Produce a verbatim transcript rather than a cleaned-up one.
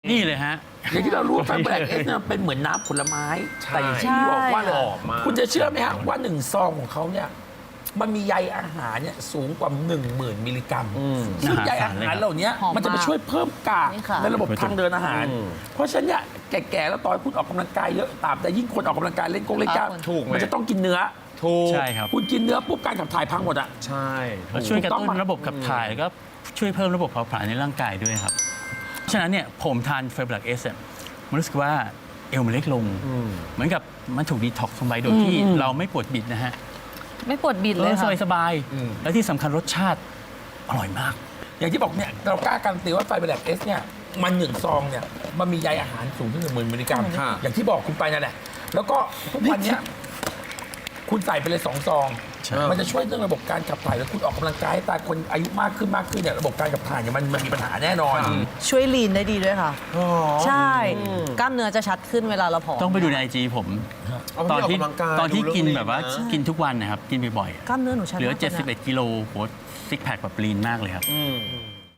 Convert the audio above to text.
นี่เลยฮะอย่างที่เรารู้ว่าไฟแบล็กเอสเนี่ยเป็นเหมือนน้ำผลไม้ แต่อย่างที่พี่บอกว่าเลยหอมมากคุณจะเชื่อไหมฮะว่าหนึ่งซองของเขาเนี่ยมันมีใยอาหารเนี่ยสูงกว่า หนึ่งหมื่น มิลลิกรัมซึ่งใยอาหารเหล่านี้หอมมากมันจะไปช่วยเพิ่มกากนี่ค่ะในระบบทางเดินอาหาร เพราะฉะนั้นเนี่ยแก่ๆแล้วตอนคุณออกกำลังกายเยอะตามแต่ยิ่งคนออกกำลังกายเล่นกงเล่นกล้ามถูกไหมมันจะต้องกินเนื้อถูกใช่ครับคุณกินเนื้อปุ๊บการขับถ่ายพังหมดอ่ะใช่แล้วช่วยกระถูกต้ตุ้องนปะระบบขับถ่ายแล้วก็ช่วยเพิ่มระบบเผาผลาญในร่างกายด้วยครับ ฉะนั้นเนี่ยผมทานไฟบลักเอสมันรู้สึกว่าเอวมันเล็กลง เหมือนกับมันถูกดีท็อกซ์ลงไปโดยที่เราไม่ปวดบิดนะฮะไม่ปวดบิดเอเลยอสค่ะบายสบายๆและที่สำคัญรสชาติอร่อยมากอย่างที่บอกเนี่ยเรากล้าการันตีว่าไฟแบล็กเอสเนี่ยมันหนึ่งซองเนี่ยมันมีใยอาหารสูงถึงหนึ่งหมื่นมิลลิกรัมค่ะอย่างที่บอกคุณไปนั่นแหละแล้วก็ทุกวันเนี้ยคุณใส่ไปเลยสองซองใช่มันจะช่วยเรื่องระบบการขับถ่ายแล้วคุณออกกำลังกายให้ตายคนอายุมากขึ้นมากขึ้นเนี่ยระบบการขับถ่ายเนี่ยมันมันมีปัญหาแน่นอนช่วยลีนได้ดีด้วยค่ะ ใช่ กล้ามเนื้อจะชัดขึ้นเวลาเราผอมต้องไปดูในไอจีผมเอาไปตอนที่ออกกำลังกายตอนที่ดูเรื่องกินลีนแบบว่านะกินทุกวันนะครับ กินบ่อยกล้ามเนื้อหนูชัดๆเหลือมากยนะเจ็ดสิบเอ็ดกิโลโหซิกแพคแบบลีนมากเลยครับอืม